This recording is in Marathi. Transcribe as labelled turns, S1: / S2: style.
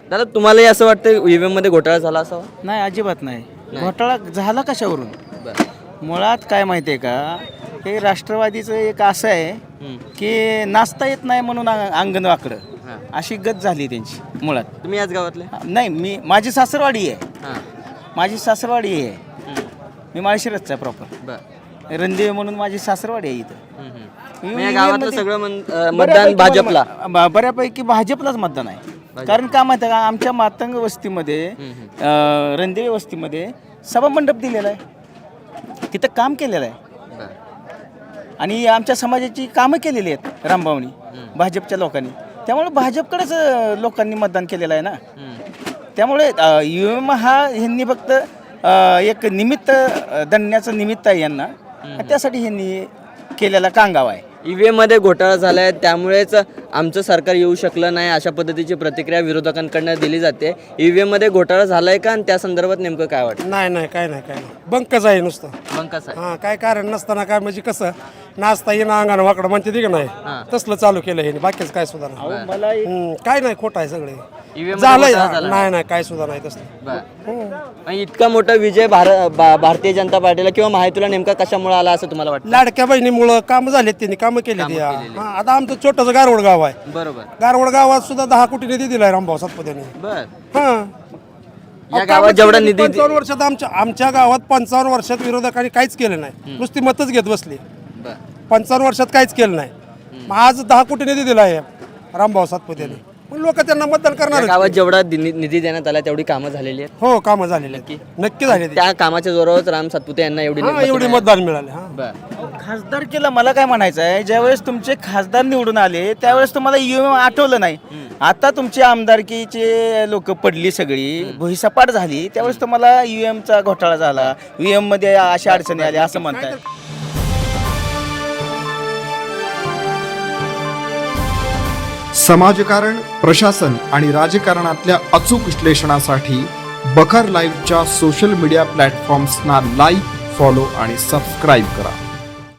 S1: दादा तुम्हालाही असं वाटतं ईव्हीएम मध्ये घोटाळा झाला असावा?
S2: नाही, अजिबात नाही. घोटाळा झाला कशावरून? मुळात काय माहिती आहे का, हे राष्ट्रवादीचं एक असं आहे की नाचता येत नाही म्हणून अंगण वाकडं, अशी गत झाली त्यांची मुळात.
S1: तुम्ही याच गावातले?
S2: नाही, माझी सासरवाडी आहे.
S1: हां.
S2: माझी सासरवाडी आहे. मी माळशिरसचा आहे प्रॉपर. रणदेव म्हणून माझी सासरवाडी आहे इथं.
S1: या गावातलं सगळं मतदान भाजपला?
S2: बऱ्यापैकी भाजपलाच मतदान आहे. कारण का माहिती आहे का, आमच्या मातंग वस्तीमध्ये, रणदेवी वस्तीमध्ये सभा मंडप दिलेला आहे, तिथं काम केलेलं आहे आणि आमच्या समाजाची कामं केलेली आहेत रामभावनी भाजपच्या लोकांनी. त्यामुळे भाजपकडेच लोकांनी मतदान केलेलं आहे ना. त्यामुळे ईव्हीएम हा ह्यांनी फक्त एक निमित्त, दणण्याचं निमित्त आहे यांना, त्यासाठी ह्यांनी केलेला कांगाव आहे.
S1: ईव्हीएम मध्ये घोटाळा झालाय त्यामुळेच आमचं सरकार येऊ शकलं नाही, अशा पद्धतीची प्रतिक्रिया विरोधकांकडनं दिली जाते. ईव्हीएम मध्ये घोटाळा झालाय का आणि त्या संदर्भात नेमकं काय वाटतं?
S3: नाही, काय नाही बंकच आहे नुसतं.
S1: मग कसं आहे?
S3: हां, काय कारण नसताना काय, म्हणजे कसं नाचता येणं अंगानं वाकडं म्हणते ते का नाही, तसलं चालू केलं हे, बाकीच काय सुद्धा नाही.
S2: मला
S3: काय नाही, खोटं आहे सगळे.
S1: ईव्हीएम
S3: झालंय. नाही काय सुद्धा नाही तसलं.
S1: इतका मोठा विजय भारतीय जनता पार्टीला किंवा महायुतीला नेमका कशामुळे आला असं तुम्हाला वाटतं?
S3: लाडक्या बहिणीमुळं कामं झालेत, त्यांनी कामं केली. आता आमचं छोटंसं गारवड गाव आहे.
S1: बरोबर.
S3: गारवड गावात सुद्धा 10 कोटी निधी दिलाय रामभाऊ सातपुतेने.
S1: बर.
S3: हां,
S1: या गावात जेवढा निधी
S3: 55 वर्षात आमच्या गावात 55 वर्षात विरोधकांनी काहीच केलं नाही, नुसती मतच घेत बसली. 55 वर्षात काहीच केलं नाही. मग आज 10 कोटी निधी दिलाय रामभाऊ सातपुतेने, मग लोक त्यांना मतदान करणार.
S1: गावात जेवढा निधी देण्यात आला तेवढी कामं झालेली आहेत?
S3: हो, कामं झालेली आहेत, नक्की झाले.
S1: त्या कामाच्या जोरावर राम सातपुते यांना
S3: एवढी मतदान मिळाले.
S2: खासदारकीला मला काय म्हणायचं आहे, ज्यावेळेस तुमचे खासदार निवडून आले त्यावेळेस तुम्हाला ईव्हीएम आठवलं नाही. आता तुमची आमदारकीचे लोक पडली, सगळी भुईसपाट झाली, त्यावेळेस तुम्हाला ईव्हीएमचा घोटाळा झाला, ईव्हीएम मध्ये अशा अडचणी आल्या असं म्हणताय.
S4: समाजकारण, प्रशासन आणि राजकारणातल्या अचूक विश्लेषणासाठी बखर लाईव्हच्या सोशल मीडिया प्लॅटफॉर्म्सना लाईक, फॉलो आणि सबस्क्राईब करा.